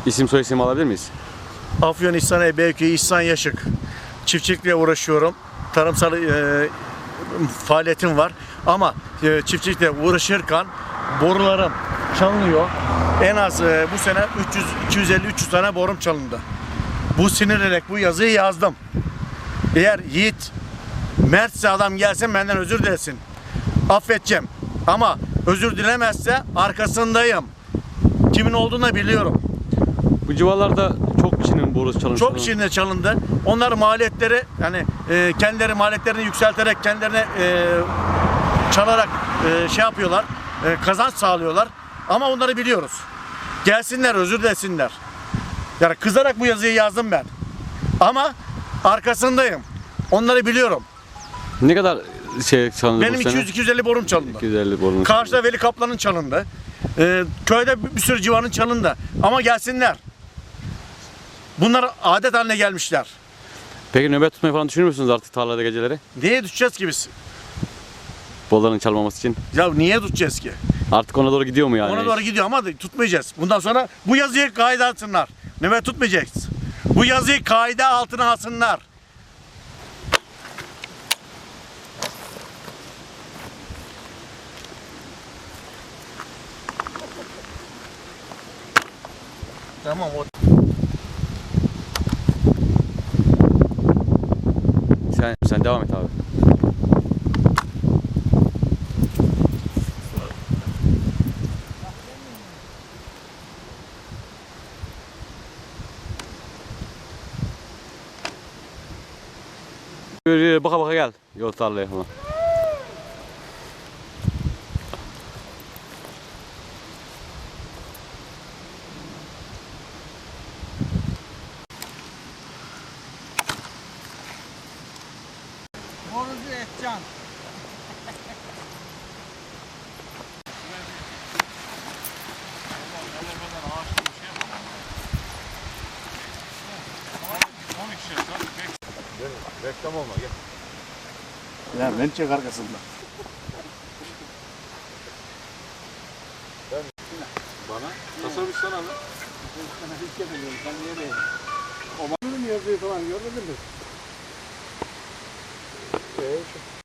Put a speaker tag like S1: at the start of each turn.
S1: İsim soy isim alabilir miyiz?
S2: Afyon İhsan Eybekköy İhsan Yaşık. Çiftçilikle uğraşıyorum. Tarımsal faaliyetim var. Ama çiftçilikle uğraşırken borularım çalınıyor. En az bu sene 250-300 tane borum çalındı. Bu sinirlenerek bu yazıyı yazdım. Eğer yiğit, mertse adam gelsin benden özür dilesin. Affedeceğim. Ama özür dilemezse arkasındayım. Kimin olduğunu da biliyorum.
S1: Bu civarlarda çok kişinin borusu çalınmış.
S2: Çok kişinin çalındı. Onlar maliyetleri yani kendileri maliyetlerini yükselterek kendilerine çalarak şey yapıyorlar. Kazanç sağlıyorlar. Ama onları biliyoruz. Gelsinler özür dilesinler. Yani kızarak bu yazıyı yazdım ben. Ama arkasındayım. Onları biliyorum.
S1: Ne kadar şey çalındı
S2: Benim
S1: bu sene?
S2: 200-250 borum çalındı.
S1: 250 borum.
S2: Karşıda Veli Kaplan'ın çalındı. Köyde bir sürü civarın çalındı. Ama gelsinler. Bunlar adet haline gelmişler.
S1: Peki nöbet tutmayı falan düşünür müsünüz artık tarlada geceleri?
S2: Niye tutacağız ki biz?
S1: Bolların çalmaması için.
S2: Ya niye tutacağız ki?
S1: Artık ona doğru gidiyor mu yani?
S2: Ona doğru gidiyor ama tutmayacağız. Bundan sonra bu yazıyı kaide alsınlar. Nöbet tutmayacağız. Bu yazıyı kaide altına alsınlar. Tamam o.
S1: Sen devam et abi. Baka baka gel yol tarlaya falan.
S3: Borucu Etcan.
S1: Reklam olma gel.
S2: Ya ben çek arkasında.
S1: Bana tasarruf sana mı?
S3: Hiç yapamıyorum. Sen niye değil? O yazıyı falan görmedin mi?